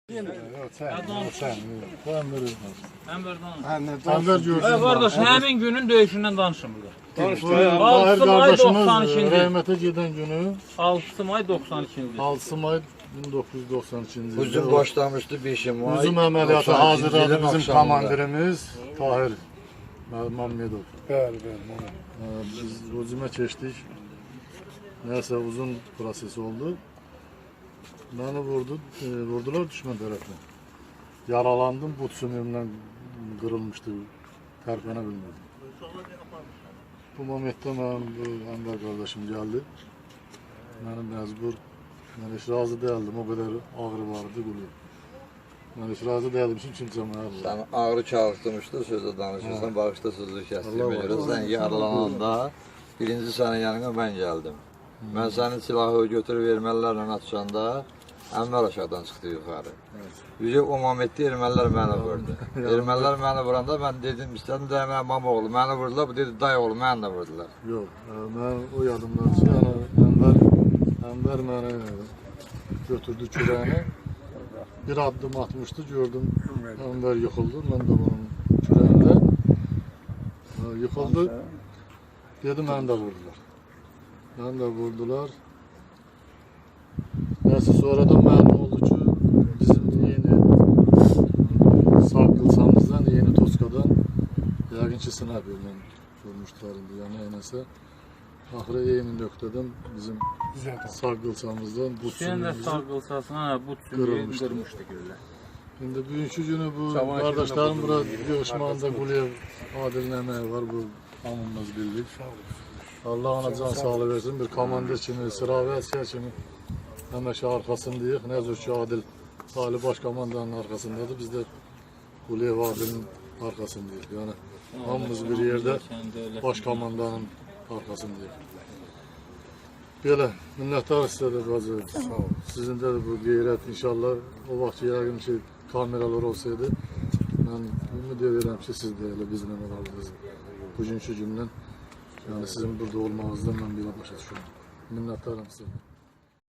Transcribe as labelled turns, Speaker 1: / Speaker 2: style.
Speaker 1: Enver gördüm.
Speaker 2: Kardeş, hemin günün döyüşündən danışın burada.
Speaker 1: 6
Speaker 2: may
Speaker 1: kardeşimiz
Speaker 2: 92-ci.
Speaker 1: rəhmətə gedən günü
Speaker 2: 6 may 92-ci.
Speaker 1: 6 may 1992-ci ildə
Speaker 3: Hücum başlamıştı 5 May.
Speaker 1: hücum əməliyyatı
Speaker 3: 92-ci
Speaker 1: hazırladı
Speaker 3: ilin
Speaker 1: bizim
Speaker 3: axşamında.
Speaker 1: komandirimiz Tahir Məmmədov.
Speaker 4: Bəli.
Speaker 1: Biz hücuma keçdik. Nəysə uzun proses oldu. Beni vurdular düşman tərəfdən. Yaralandım, but sümüyümdən qırılmışdı, tərpənə bilmirdim. Bu momentdə mənim Enver qardaşım gəldi. Mənim məcbur, mən heç razı deyildim, o qədər ağrı vardı qulub. Mən heç razı deyildim, çünki cəməyə vurdu.
Speaker 3: Sen ağrı çağırtmıştı, sözü danışırsan, bağışta sözü kəsdiyimə görə. Sen yaralananda birinci sənin yanına mən gəldim. Mən sənin silahı götürüb erməlilərlə atışanda Enver aşağıdan çıxdı yuxarı. Yüce o momentdə ermənilər məni vurdu. Ermənilər məni vuranda mən dedim, istədim dəyməyə mama oğlu, məni vurdular, bu dedi dayı oğlu, məni də vurdular.
Speaker 1: Yox, mən o yadımdan ki, Enver məni götürdü kürəyini, bir addım atmışdı, gördüm Enver yıxıldı, mən də bunun kürəyində yıxıldı, dedi məni də vurdular. Məni də vurdular. Neyse sonradan məlum oldu ki, bizim yeni sağ qılsamızdan, yeni Toskadan yəqin ki, sniperlə vurmuşdular indi, yəni neyse. Axırı eyni nöqtədən bizim sağ qılsamızdan bu
Speaker 2: Sen de sağ qılsasına bu sümüyü qırmışdı güllə.
Speaker 1: İndi bugünkü günü bu kardeşlerim bura yığışmağında Quliyev Adil'in əməyi var, bu hamımız bildik. Allah ona can sağlığı versin, bir komandir kimi, sıra və əsgər kimi həmişə arxasındayıq. Nə zor ki, Adil Ali Baş Komandanın arxasındadır, biz də Quliyev Adil'in arxasındayıq. Yəni, hamımız bir yerdə Baş Komandanın arxasındayıq. Belə, minnəttar sizə də bacı, sizin də bu qeyrət inşallah o vaxt yəqin ki, kameralar olsaydı, mən ümid edirəm ki, siz də elə bizimlə olardınız bugünkü gündən. Yəni, sizin burada olmağınızdan mən belə başa düşürəm. Minnəttarım sizə.